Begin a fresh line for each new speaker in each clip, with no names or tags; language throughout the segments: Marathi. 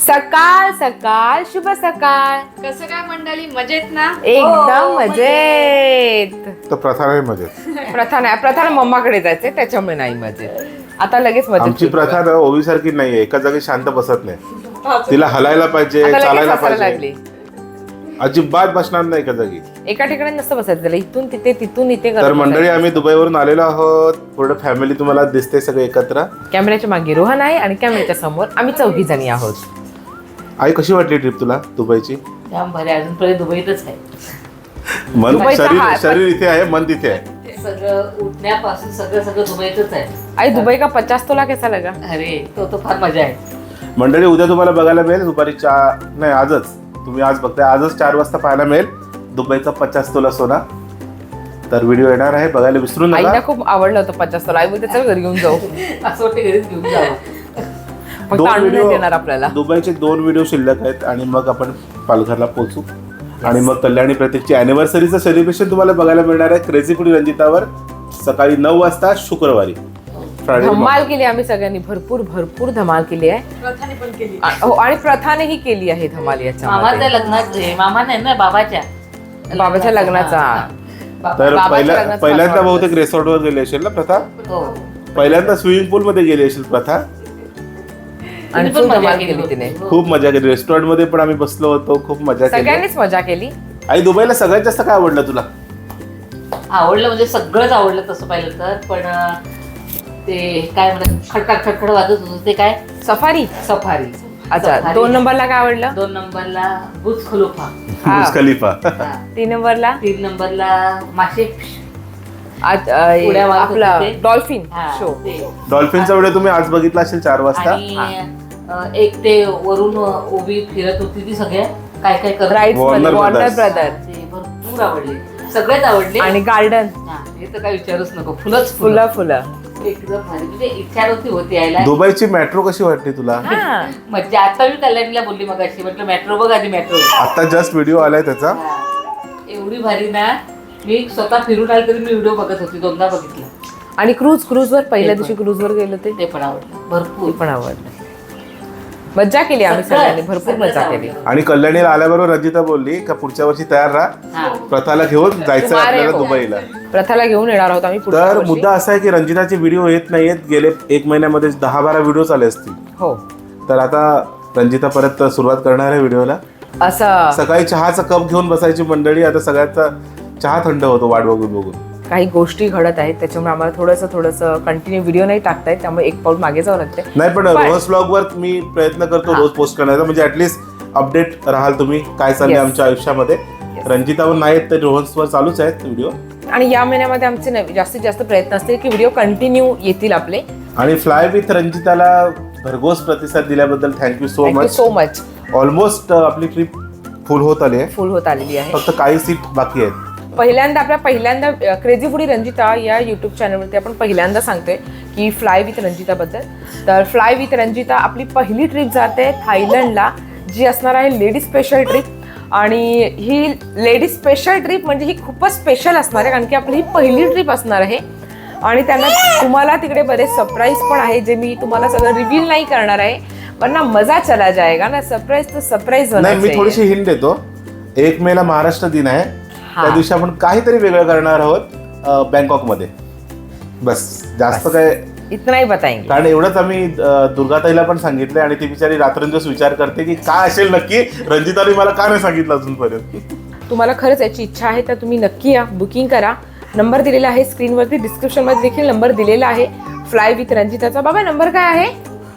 सकाळ सकाळ शुभ सकाळ.
कसं काय मंडळी, मजेत ना?
एकदम मजेत.
तर प्रथा नाही मजेत.
प्रथा मम्माकडे जायचंय त्याच्यामुळे नाही मजेत. आता लगेच मजेत.
आमची प्रथा ना ओवी सारखी नाहीये, एका जागी शांत बसत नाही. तिला हलायला पाहिजे,
आता लगेच
चालायला
हसायला
पाहिजे.
लागली.
अजिबात बसणार नाही एका जागी.
एका ठिकाणी नसतं बसायचं त्याला, इथून तिथे तिथून इथे
तर
करत
मंडळी
बसायचं.
आम्ही दुबईवरून आलेलो आहोत. पूर्ण फॅमिली तुम्हाला दिसते सगळे एकत्र.
कॅमेऱ्याच्या मागे रोहन आहे आणि कॅमेऱ्याच्या समोर आम्ही 4 जणी आहोत.
आई कशी वाटली ट्रिप तुला दुबईची?
जाम भारी, अजूनपर्यंत दुबईतच आहे.
मन
दुबईचा हा-
शरीर इथे आहे, मन तिथे आहे.
सगळं उठण्यापासून सगळं दुबईतच आहे.
आई दुबई का 50 तोला कैसा लगा?
अरे तो फार मजा आहे.
मंडळी उद्या तुम्हाला बघायला मिळेल दुपारी 4 नाही आजच, तुम्ही आज बघताय, आजच 4 वाजता पाहायला मिळेल दुबईचा 50 तोला सोना. तर व्हिडिओ येणार आहे, बघायला विसरू नका.
आईला खूप आवडलं होतं 50 तोला. आई बोलते चल घरी घेऊन जाऊ.
असं वाटतं घरीच घेऊन जावं.
फक्त
दोन
आणून
व्हिडिओ
देणार आपल्याला.
दुबईचे 2 व्हिडिओ शिल्लक आहेत आणि मग आपण पालघरला पोहोचू. आणि मग कल्याणी प्रतीकची अॅनिव्हर्सरीचं सेलिब्रेशन तुम्हाला बघायला मिळणार आहे क्रेझी फूडी रंजितावर सकाळी 9 वाजता शुक्रवारी. फ्रायडे
धमाल केली आम्ही सगळ्यांनी, भरपूर धमाल केली आहे.
प्रथाने पण केली.
हो, आणि प्रथानेही केली आहे धमाल
मामाच्या
याच्यामध्ये.
लग्नात मामा नाही ना, बाबाच्या
लग्नाचा.
तर
बाबाच्या लग्नात
पहिल्यांदा
फार
बहुतेक रिसॉर्टवर गेली असेल ना प्रथा?
हो.
पहिल्यांदा स्विमिंग पूल मध्ये गेली असेल प्रथा.
आणि
तिने
खूप
पण
धमाल
मजा
केली तिने.
हो.
खूप मजा केली. रेस्टॉरंट मध्ये पण आम्ही बसलो होतो, खूप मजा केली.
सगळ्यांनीच मजा केली.
आई दुबईला सगळ्यात जास्त काय आवडलं तुला?
आवडलं म्हणजे सगळंच आवडलं तसं पाहिलं तर. पण ते काय म्हणतात, खडखड वाजत होतं ते काय,
सफारी.
सफारी.
अच्छा,
सफारी.
2 नंबरला काय आवडलं?
2 नंबरला बुर्ज खलिफा.
हा.
बुर्ज खलिफा.
3 नंबरला
3 नंबरला मासे. उड्या मारत
आपला
होते ते.
डॉल्फिन
हा,
शो.
ते.
डॉल्फिनचा व्हिडिओ तुम्ही आज बघितला असेल 4 वाजता.
आणि एक ते वरून ओबी फिरत होती ती, सगळ्या काय काय करत
राईड्स
Warner
मध्ये वॉर्नर
Brothers.
ब्रदर
ते भरपूर आवडले, सगळेच आवडले.
आणि गार्डन.
हा, हे तर काय विचारूच नको, फुलंच
फुलं.
एकदम भारी. म्हणजे इच्छा नव्हती होती यायला.
दुबईची मेट्रो कशी वाटली तुला?
हा.
म्हणजे आता मी कल्याणीला बोलली मग अशी, म्हटलं मेट्रो बघ आधी, मेट्रो.
आता जस्ट व्हिडिओ आलाय त्याचा.
एवढी भारी ना, मी स्वतः फिरून आले तरी मी व्हिडिओ बघत होती, 2दा बघितलं.
आणि क्रूजवर पहिल्या
ते पण.
दिवशी क्रूजवर गेलो ते
ते पण आवडलं भरपूर.
पण आवडलं. मज्जा केली आम्ही सगळ्यांनी, भरपूर मजा केली.
आणि कल्याणीला आल्याबरोबर रंजिता बोलली का पुढच्या वर्षी तयार राहा,
हा.
प्रथाला घेऊन जायचं
तुम्हारे
आपल्याला
हो.
दुबईला.
प्रथाला घेऊन येणार आहोत आम्ही पुढच्या
तर
वर्षी.
मुद्दा असा आहे की रंजिताचे व्हिडिओ येत नाहीयेत. गेले 1 महिन्यामध्ये 10-12 व्हिडिओ आले असतील.
हो,
तर आता रंजिता परत सुरुवात करणार आहे व्हिडिओला.
असं
सकाळी चहाचा कप घेऊन बसायची मंडळी. आता सगळ्यांचा चहा थंड होतो वाट बघून.
काही गोष्टी घडत आहेत, त्याच्यामुळे आम्हाला थोडंसं कंटिन्यू व्हिडिओ नाही टाकता येत, त्यामुळे एक पाऊल मागे जावं लागते.
नाही पण रोज ब्लॉग वर मी प्रयत्न करतो रोज पोस्ट करण्याचा, म्हणजे ऍटलीस्ट अपडेट राहाल तुम्ही काय चाललंय
Yes.
आमच्या आयुष्यामध्ये. रंजितावर नाहीत तर रोहन्सवर चालूच आहेत व्हिडिओ.
आणि या महिन्यामध्ये आमचे जास्तीत जास्त प्रयत्न असतील की व्हिडिओ कंटिन्यू येतील आपले.
आणि फ्लाय विथ रंजिताला भरघोस प्रतिसाद दिल्याबद्दल thank you so
thank you
much.
So much.
Almost आपली ट्रिप फुल होत आली आहे,
फुल होत आलेली आहे.
फक्त काही सीट बाकी आहेत.
पहिल्यांदा क्रेझी फूडी रंजिता या यूट्यूब चॅनलवरती आपण पहिल्यांदा सांगतोय की फ्लाय विथ रंजिताबद्दल. तर फ्लाय विथ रंजिता आपली पहिली ट्रिप जाते थायलंडला, जी असणार आहे लेडीज स्पेशल ट्रिप. आणि ही लेडीज स्पेशल ट्रिप म्हणजे ही खूपच स्पेशल असणार आहे, कारण की आपली ही पहिली ट्रिप असणार आहे. आणि त्यांना तुम्हाला तिकडे बरेच सरप्राईज पण आहे, जे मी तुम्हाला सगळं रिव्हील नाही करणार आहे, पण ना मजा चला जाएगा ना. सरप्राईज तर सरप्राईज
नाही, मी थोडीशी हिंट देतो. 1 मेला महाराष्ट्र दिन आहे, त्या दिवशी आपण काहीतरी वेगळं करणार आहोत बँकॉकमध्ये. बस, जास्त काय
इतना ही बताएंगे.
कारण एवढंच आम्ही दुर्गाताईला पण सांगितलंय आणि ती बिचारी रात्रंदिवस विचार करते की काय असेल नक्की, रंजिताने मला का नाही सांगितलं अजूनपर्यंत.
तुम्हाला खरंच याची इच्छा आहे तर तुम्ही नक्की या, बुकिंग करा. नंबर दिलेला आहे स्क्रीनवरती, डिस्क्रिप्शनमध्ये देखील नंबर दिलेला आहे फ्लाय विथ रंजिताचा. बाबा नंबर काय आहे?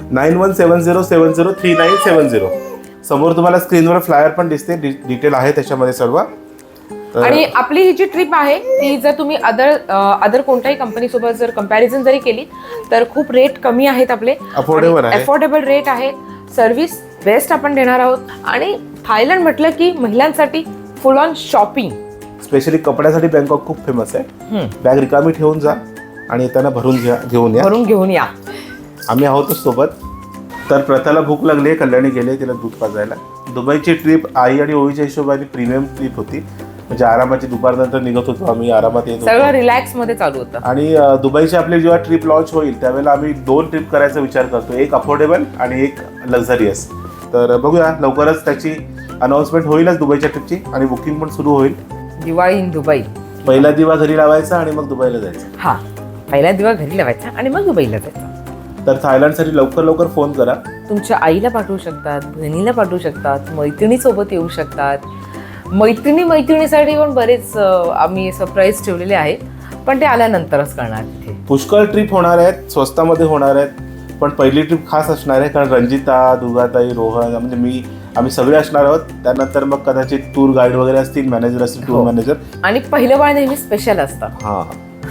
9170703970. समोर तुम्हाला स्क्रीनवर फ्लायर पण दिसते, डिटेल आहे त्याच्यामध्ये सर्व.
आणि आपली ही जी ट्रिप आहे ती जर तुम्ही अदर कोणत्याही कंपनीसोबत जर कंपॅरिझन जरी केली तर खूप रेट कमी आहेत आपले.
Affordable आहे.
अफोर्डेबल रेट आहे. सर्व्हिस बेस्ट आपण देणार आहोत. आणि थायलंड म्हटलं की महिलांसाठी फुल ऑन शॉपिंग.
स्पेशली कपड्यासाठी बँकॉक खूप फेमस आहे. बॅग रिकामी ठेवून जा आणि येताना घेऊन
घेऊन या.
आम्ही आहोतच सोबत. तर प्रथाला भूक लागली, कल्याणी गेले तिला दूध पाजायला. दुबईची ट्रिप आई आणि ओवीच्या हिशोबाने प्रीमियम ट्रिप होती. म्हणजे आरामाची दुपारनंतर निघत होतो आम्ही, आरामात येत
सगळं
होतो.
रिलॅक्स मध्ये चालू होतं.
आणि दुबईची आपली जेव्हा ट्रिप लॉन्च होईल त्यावेळेला आम्ही 2 ट्रिप करायचा विचार करतो, एक अफोर्डेबल आणि एक लक्झरियस. तर बघूया लवकरच त्याची अनाउन्समेंट होईलच दुबईच्या ट्रिपची आणि बुकिंग पण सुरू होईल.
Diwali in Dubai.
पहिला दिवा घरी लावायचा आणि मग दुबईला जायचं.
हा, पहिला दिवा घरी लावायचा आणि मग दुबईला जायचं.
तर थायलंडसाठी लवकर लवकर फोन करा.
तुमच्या आईला पाठवू शकतात, बहिणीला पाठवू शकतात, मैत्रिणीसोबत येऊ शकतात. मैत्रिणीसाठी पण बरेच आम्ही सरप्राईज ठेवलेले आहेत, पण ते आल्यानंतरच करणार. तिथे
पुष्कळ ट्रिप होणार आहेत, स्वस्तामध्ये होणार आहेत, पण पहिली ट्रिप खास असणार आहे कारण रंजिता, दुर्गाताई, रोहन म्हणजे आम्ही सगळे असणार आहोत. त्यानंतर मग कदाचित टूर गाईड वगैरे असतील, मॅनेजर असतील, टूर मॅनेजर.
आणि पहिलं बाळ नेहमी स्पेशल असतं.
हा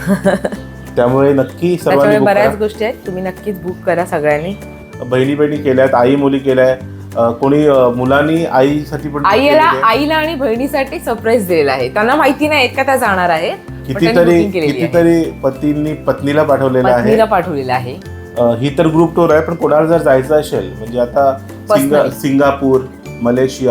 त्यामुळे नक्की
त्याच्यामुळे
सर्वांनी
बऱ्याच गोष्टी आहेत, तुम्ही नक्कीच बुक करा सगळ्यांनी.
बहिणी केल्यात, आई मुली केल्याय, कोणी मुलांनी आईसाठी पण
आईला आणि बहिणीसाठी सरप्राईज दिलेला आहे. त्यांना माहिती नाही का त्या जाणार आहेत.
कितीतरी पतींनी पत्नीला पाठवलेलं
आहे.
ही तर ग्रुप टूर आहे, पण कोणाला जर जायचं असेल म्हणजे आता सिंगापूर, मलेशिया,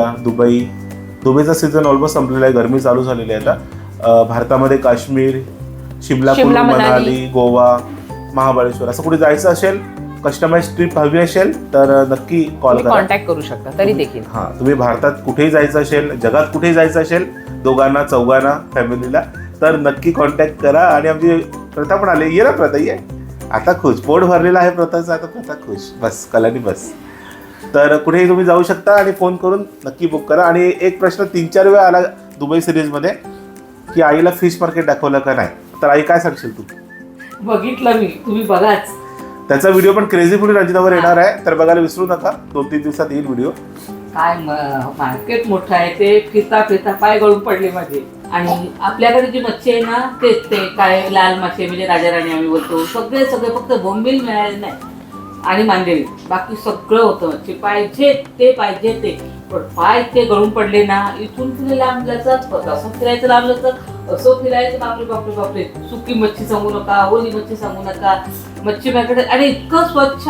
दुबईचा सीझन ऑलमोस्ट संपलेला आहे, गरमी चालू झालेली आहे आता. भारतामध्ये काश्मीर, शिमला, मनाली, गोवा, महाबळेश्वर असं कुठे जायचं असेल, कस्टमाइज ट्रिप हवी असेल तर नक्की कॉल करा,
कॉन्टॅक्ट करू शकता. तरी देखील
तुम्ही भारतात कुठेही जायचं असेल, जगात कुठेही जायचं असेल, दोघांना चौघांना फॅमिलीला, तर नक्की कॉन्टॅक्ट करा. आणि आमची प्रथा पण आली. ये ना प्रथा, ये आता खुश, पोट भरलेला आहे प्रथाचं, आता प्रथा खुश, बस कलानी बस. तर कुठेही तुम्ही जाऊ शकता आणि फोन करून नक्की बुक करा. आणि एक प्रश्न 3-4 वेळा आला दुबई सिरीजमध्ये की आईला फिश मार्केट दाखवलं का नाही, तर आई काय सांगशील तू?
बघितलं मी, तुम्ही बघाच.
त्याचा व्हिडिओ पण क्रेझी फूडी रंजितावर येणार आहे, तर बघायला विसरू नका. 2-3 दिवसात येईल व्हिडिओ.
काय मार्केट मोठं आहे, ते फिरता पाय गळून पडले माझे. आणि आपल्याकडे जी मच्छी आहे ना, तेच ते काय लाल मासे म्हणजे राजाराणी आम्ही बोलतो, सगळे फक्त बोंबील मिळाले नाही आणि मांदेली, बाकी सगळं होतं. मच्छी पाहिजे ते पण पाय ते गळून पडले ना. इथून पुढे लांब जायचं, असं फिरायचं, लांब जायचं, असं फिरायचं. बापरे, सुकी मच्छी सांगू नका, ओली मच्छी सांगू नका. मच्छी मार्केट आणि इतकं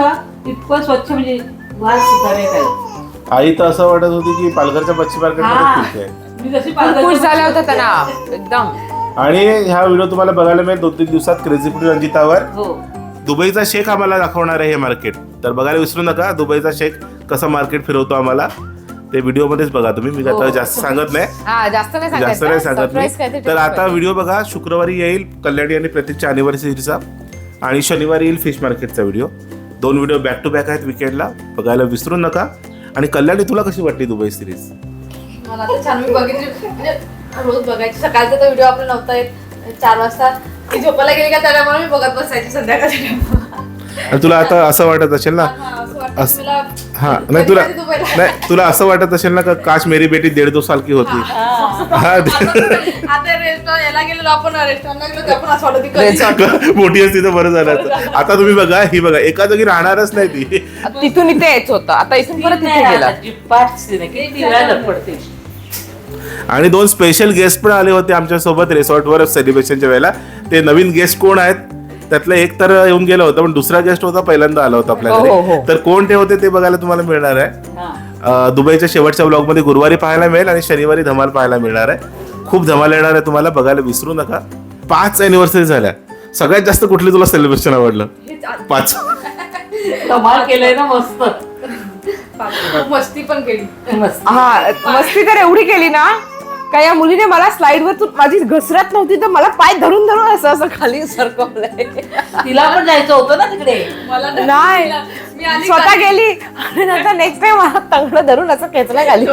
स्वच्छ म्हणजे वास सुद्धा नाही काही.
आई तर असं वाटत होती की पालघरच्या मच्छी मार्केट
मी जशी
खुश झाला होता त्यांना एकदम.
आणि ह्या व्हिडिओ तुम्हाला बघायला मिळेल 2-3 दिवसात क्रेझी फूडी रंजितावर. दुबईचा शेख आम्हाला दाखवणार आहे हे मार्केट, तर बघायला विसरू नका. दुबईचा शेख कसं मार्केट फिरवतो आम्हाला ते व्हिडिओ मध्येच बघा तुम्ही. मी आता जास्त सांगत नाही,
जास्त नाही सांगत
मी. तर आता व्हिडिओ बघा. शुक्रवारी येईल कल्याणी आणि प्रतीकच्या अॅनिव्हर्सरीचा, आणि शनिवारी येईल फिश मार्केटचा video. 2 video back to back आहेत विकेंडला, बघायला विसरू नका. आणि कल्याणी, तुला कशी वाटली दुबई सिरीज?
मला तर छान, मी बघितली, म्हणजे रोज बघायची. सकाळचा तर व्हिडिओ आपला नव्हता येत, 4 वाजता ती झोपायला गेली का त्याच्यामुळे मी बघत बसायची संध्याकाळच्या टाइमला.
आणि तुला आता असं वाटत असेल ना, तुला असं वाटत असेल ना का काश मेरी बेटी 1.5-2 साल की होती.
आता रेस्टॉरंट याला गेलो आपण, रेस्टॉरंटला गेलो तर पण असं वाटत
मोठी असती तर बरं झालं. आता तुम्ही बघा, ही बघा एका जागी राहणारच नाही ती.
तिथून इथे यायचं होतं, आता इथून परत तिथे गेला.
आणि 2 स्पेशल गेस्ट पण आले होते आमच्या सोबत रिसॉर्टवर सेलिब्रेशनच्या वेळेला. ते नवीन गेस्ट कोण आहेत त्यातलं एक तर येऊन गेला होता, पण दुसरा गेस्ट होता पहिल्यांदा आला होता आपल्याकडे. तर कोण ते होते ते बघायला तुम्हाला मिळणार आहे दुबईच्या शेवटच्या ब्लॉग मध्ये. गुरुवारी पाहायला मिळेल आणि शनिवारी धमाल पाहायला मिळणार आहे. खूप धमाल येणार आहे तुम्हाला, बघायला विसरू नका. 5 अॅनिव्हर्सरी झाल्या. सगळ्यात जास्त कुठली तुला सेलिब्रेशन आवडलं? 5
धमाल केलंय ना, मस्त
मस्ती पण केली.
मस्ती तर एवढी केली ना का या मुलीने मला स्लाइडवर माझी घसरत नव्हती तर मला पाय धरून असं खाली सरकवलंय.
तिला पण जायचं होतं ना तिकडे.
मला
नाही, स्वतः गेली आणि नंतर नेक्स्ट टाइम मला तंगड धरून असं खेचला खाली.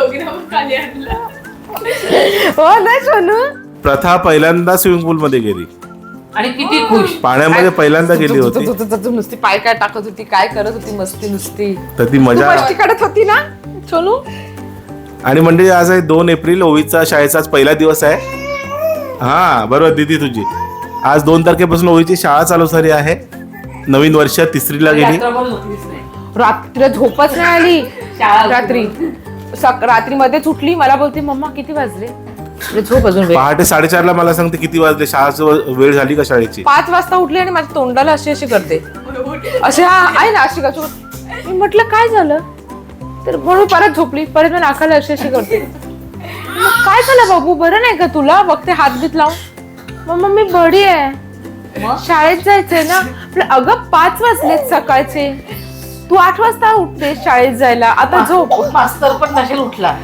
हो ना सोनू?
प्रथा पहिल्यांदा स्विमिंग पूल मध्ये गेली
आणि किती खुश,
पाण्यामध्ये पहिल्यांदा गेली होती.
नुसती पाय काय टाकत होती, काय करत होती, मस्ती नुसती.
तर ती मजा
मस्ती काढत होती ना सोनू.
आणि म्हणजे आज आहे 2 एप्रिल, ओवीचा शाळेचा आज पहिला दिवस आहे. हा बरोबर दीदी तुझी. आज 2 तारखेपासून ओवीची शाळा चालू झाली आहे. नवीन वर्ष 3रीला गेली.
रात्री झोपच नाही आली. रात्री मध्येच उठली, मला बोलते मम्मा किती वाजले. झोप अजून.
पहाटे 4:30ला मला सांगते किती वाजले, शाळेची वेळ झाली का शाळेची.
5 वाजता उठली आणि माझ्या तोंडाला अशी करते, असे आहे ना अशी. मी म्हटलं काय झालं, तर म्हणून परत झोपली. परत मी नाकाला अशी करते. काय झालं बाबू, बरं नाही का तुला? बघते हात बीत लावून. मग मी बरी आहे, शाळेत जायचंय ना. अगं 5 वाजलेत सकाळचे, तू 8 वाजता उठते शाळेत जायला, आता झोप.
मास्तर पण नसेल उठला.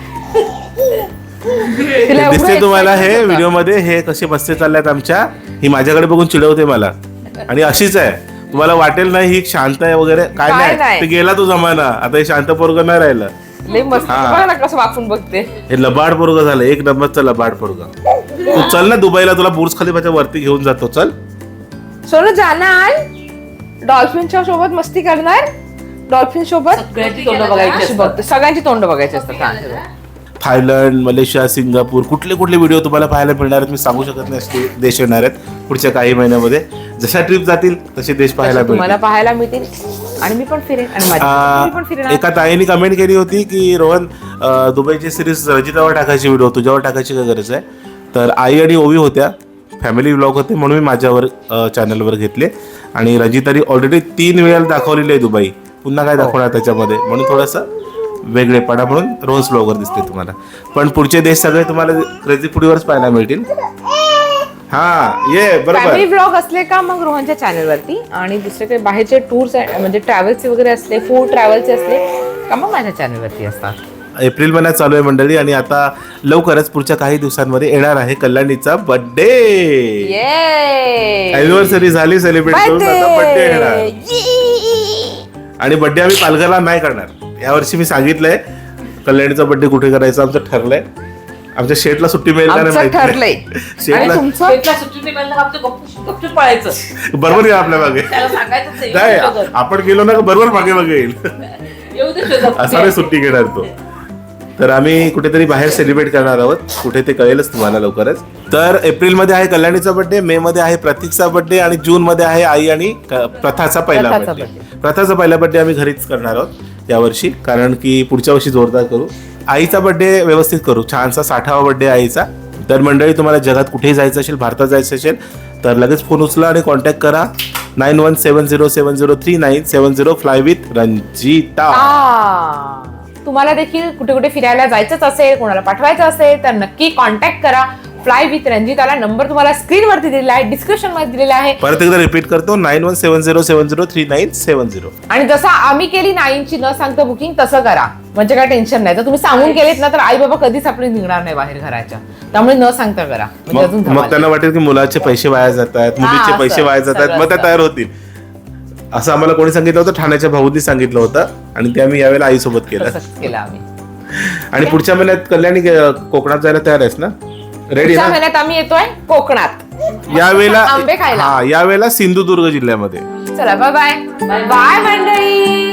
तिला एवढं
दिसते तुम्हाला हे
excitement
व्हिडिओ मध्ये हे कसे बसते चालल्यात आमच्या. ही माझ्याकडे बघून चिडवते मला आणि अशीच आहे. तुम्हाला वाटेल नाही ही शांत आहे वगैरे, काय
काय
नाही,
नाही.
ते गेला तो जमाना. आता हे शांत पोरग नाही राहिलं.
लई मस्त.
हा.
बघा ना कसं वाकून बघते.
हे लबाड पोरग झालं, एक नंबरचं लबाड पोरग. तू चल ना दुबईला, तुला बुर्ज खलिफाच्या वरती घेऊन जातो. चल.
सोनू जाणार डॉल्फिनच्या सोबत मस्ती करणार, डॉल्फिन सोबत
सगळ्यांची तोंड बघायची असतात.
बघते. सगळ्यांची तोंड बघायची असतात. हा.
थायलंड, मलेशिया, सिंगापूर, कुठले कुठले व्हिडिओ तुम्हाला पाहायला मिळणार आहेत मी सांगू शकत नाही. असे देश येणार आहेत पुढच्या काही महिन्यामध्ये. जशा ट्रिप जातील तसे देश पाहायला
तुम्हाला
मिळतील.
पाहायला मिळतील आणि मी पण फिरेन आणि माझी पण फिरणार.
एका ताईने कमेंट केली होती की रोहन दुबईची सिरीज रजितावर टाकायची, व्हिडिओ तुझ्यावर टाकायची काय गरज आहे. तर आई आणि ओवी होत्या, फॅमिली व्लॉग होते म्हणून मी माझ्यावर चॅनलवर घेतले. आणि रजिताने ऑलरेडी 3 वेळा दाखवलेली आहे दुबई, पुन्हा काय दाखवणार त्याच्यामध्ये, म्हणून थोडंसं वेगळेपणा म्हणून रोज ब्लॉगर दिसते तुम्हाला. पण पुढचे देश सगळे तुम्हाला क्रेझी फूडीवरच पाहायला मिळतील. हा ये
फॅमिली
बरोबर.
ब्लॉग असले का मग रोहनच्या चॅनलवरती, आणि दुसरे काही बाहेरचे टूर्स म्हणजे ट्रॅव्हल्सचे वगैरे असले, फूड ट्रॅव्हलचे असले का मग माझ्या चॅनलवरती असतात.
एप्रिल महिन्यात चालू आहे मंडळी, आणि आता लवकरच पुढच्या काही दिवसांमध्ये येणार आहे कल्याणीचा बर्थडे. अॅनिव्हर्सरी झाली सेलिब्रेट करून, आता बर्थडे येणार. आणि बर्थडे आम्ही पालघरला नाही करणार यावर्षी. मी सांगितलंय कल्याणीचा बर्थडे कुठे करायचा आमचं ठरलंय. आमच्या शेटला सुट्टी मिळेल का नाही
आमचं
माहिती नाही.
ठरलंय. आणि
शेटला
तुमचं
शेतला सुट्टी नाही मिळाली, आमचं गपचूप पळायचं.
बरोबर येईल आपल्या मागे.
त्याला सांगायचं
नाही
नाही.
आपण गेलो ना का बरोबर मागे मागे येईल.
येऊ दे शेजारी.
असा नाही सुट्टी घेणार तो. तर आम्ही कुठेतरी बाहेर सेलिब्रेट करणार आहोत, कुठे ते कळेलच तुम्हाला लवकरच. तर एप्रिलमध्ये आहे कल्याणीचा बर्थडे, मे मध्ये आहे प्रतीकचा बर्थडे, आणि जून मध्ये आहे आई आणि प्रथाचा पहिला
प्रथाचा
बर्थडे. प्रथाचा पहिला बर्थडे आम्ही घरीच करणार आहोत यावर्षी, कारण की पुढच्या वर्षी जोरदार करू. आईचा बर्थडे व्यवस्थित करू, छानसा 60वा बर्थडे आईचा. तर मंडळी तुम्हाला जगात कुठेही जायचं असेल, भारतात जायचं असेल तर लगेच फोन उचला आणि कॉन्टॅक्ट करा 9170703970 फ्लाय विथ रंजिता.
तुम्हाला देखील कुठे कुठे फिरायला जायचंच असेल, कोणाला पाठवायचं असेल तर नक्की कॉन्टॅक्ट करा फ्लाय विथ रंजिताला. नंबर तुम्हाला स्क्रीनवरती दिलेला आहे, डिस्क्रिप्शन मध्ये दिलेला आहे.
परत एकदा रिपीट करतो 9170703970.
आणि जसं आम्ही केली 9ची न सांगता बुकिंग, तसं करा म्हणजे काय टेन्शन नाही. तर तुम्ही सांगून केलेत ना तर आई बाबा कधीच आपली निघणार नाही बाहेर घराच्या, त्यामुळे न सांगता करा. म्हणजे अजून
मग
धमाल.
त्यांना वाटेल की मुलाचे पैसे वाया जात आहेत, मुलीचे
असं,
पैसे वाया जात आहेत, मग त्या
सगळं.
तयार होतील. असं आम्हाला कोणी सांगितलं होतं, ठाण्याच्या भाऊनी सांगितलं होतं, आणि ते आम्ही यावेळेला आईसोबत केलं.
तसंच केलं आम्ही.
आणि पुढच्या महिन्यात कल्याणी कोकणात जायला तयार आहेस ना? रेडी
पुढच्या
ना?
महिन्यात आम्ही येतोय कोकणात
यावेळेला
आंबे खायला.
हा यावेळेला सिंधुदुर्ग जिल्ह्यामध्ये.
चला बाय बाय बाय मंडळी.